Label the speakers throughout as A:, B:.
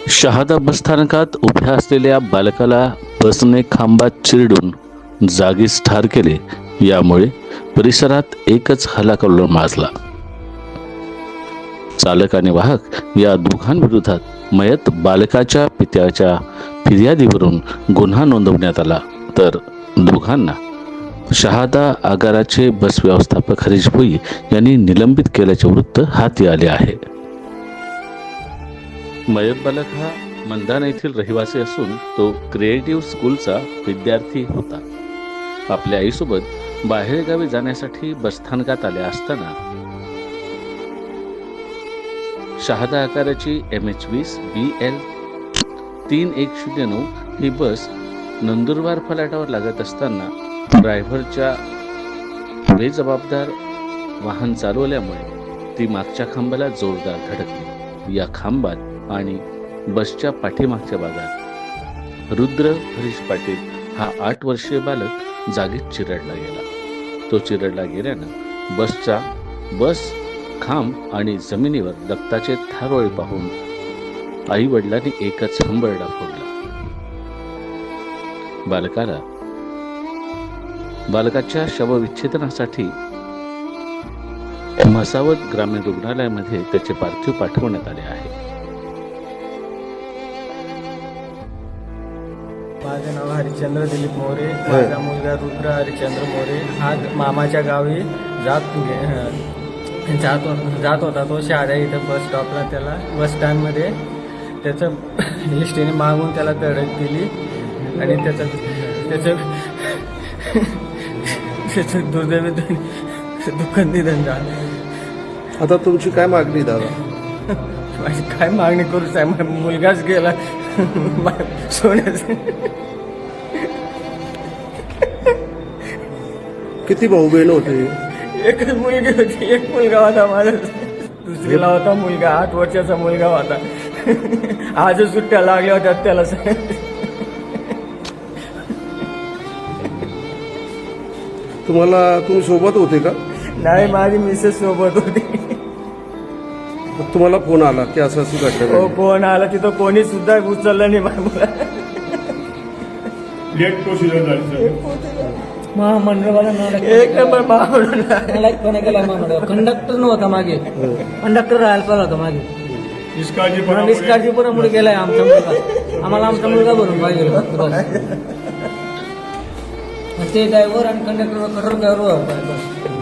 A: शहादा बसस्थानकात उभ्या असलेल्या बालकाला बसने खांबात चिरडून जागीच ठार केले. यामुळे परिसरात एकच हल्लाकल्लोळ माजला. चालक आणि वाहक या दोघांविरोधात मयत बालकाच्या पित्याच्या फिर्यादीवरून गुन्हा नोंदवण्यात आला, तर दोघांना शहादा आगाराचे बस व्यवस्थापक हरीश भोई यांनी निलंबित केल्याचे वृत्त हाती आले आहे. मयत बालक हा मंदाना येथील रहिवासी असून तो क्रिएटिव्ह स्कूलचा विद्यार्थी होता. आपल्या आईसोबत बाहेरगावी जाण्यासाठी बसस्थानकात आले असताना शहादा आकाराची MH20 BL 3109 ही बस नंदुरबार फलाटावर लागत असताना ड्रायव्हरच्या बेजबाबदार वाहन चालवल्यामुळे ती मागच्या खांबाला जोरदार धडकली. या खांबात आणि बसच्या पाठीमागच्या भागात रुद्र हरीश पाटील हा 8 वर्षीय बालक जागीच चिरडला गेला. तो चिरडला गेल्यानं बस खांब आणि जमिनीवर रक्ताचे थारोळे पाहून आई वडिलांनी एकच हंबरडा फोडला. बालकाच्या शवविच्छेदनासाठी म्हसावद ग्रामीण रुग्णालयामध्ये त्याचे पार्थिव पाठवण्यात आले आहे.
B: माझे नाव हरिश्चंद्र दिलीप मोरे. माझा मुलगा रुद्र हरिश्चंद्र मोरे हा मामाच्या गावी जात होता. तो शहादा इथं बस स्टॉपला त्याला बस स्टँडमध्ये त्याचं एसटीने मागून त्याला धडक दिली आणि त्याचं दुर्दैवी दुःखद निधन झालं.
C: आता तुमची काय मागणी दादा?
B: माझी काय मागणी करू साहेब, मुलगाच गेला सोन्याचं.
C: किती भाऊ बहीण होते?
B: एकच मुलगी होती, एक मुलगा होता माझा. दुसरीला होता मुलगा, 8 वर्षाचा मुलगा होता. आज सुट्ट्या लागल्या होत्या त्याला.
C: तुम्ही सोबत होते का?
B: नाही, माझी मिसेस सोबत होती.
C: तुम्हाला फोन आला की असं घडलं?
B: हो, फोन आला. तिथं कोणी सुद्धा उचललं नाही मला. एक नंबर
D: कंडक्टर नव्हता मागे, कंडक्टर राहायला चालला होता मागे. निष्काळजीपणामुळे गेलाय आमचा मुलगा. आम्हाला आमचा मुलगा भरून पाहिजे. ते ड्रायव्हर आणि कंडक्टर कठोर ड्रायव्हर.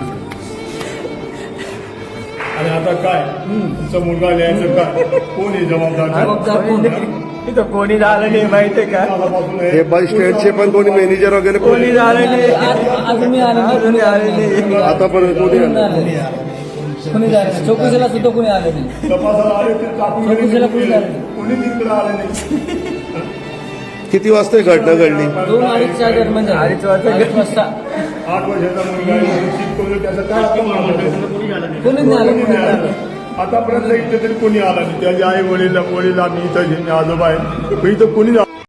E: आणि आता काय तुमचा मुलगा लिहायचं काय? कोणी जबाबदार?
B: तिथं कोणी झालं नाही माहितीये का?
C: हे बस स्टँडचे पण कोणी मॅनेजर वगैरे
B: कोणी झालं नाही.
D: अजून
B: कोणी आले नाही.
C: आतापर्यंत कोणी
D: कोणी झालं नाही. चौकशीला सुद्धा कोणी आलं नाही.
E: तपासाला आले ते टाकून
D: चौकशीला कोणी झालं नाही.
E: कोणी तिकडे आलं नाही.
C: किती वाजता ही घटना घडली?
D: 2-2:30च्या दरम्यान झालं.
B: 2:30
D: वाजता.
E: 8 वर्षाचा मुलगा शिकवलं, त्याचं काय कोणी आलं नाही.
D: कोणी झालं.
E: आतापर्यंत इथे तरी कोणी आला नाही. त्याच्या आई वडील आम्ही इथं आजोबा आहे, इथं कोणी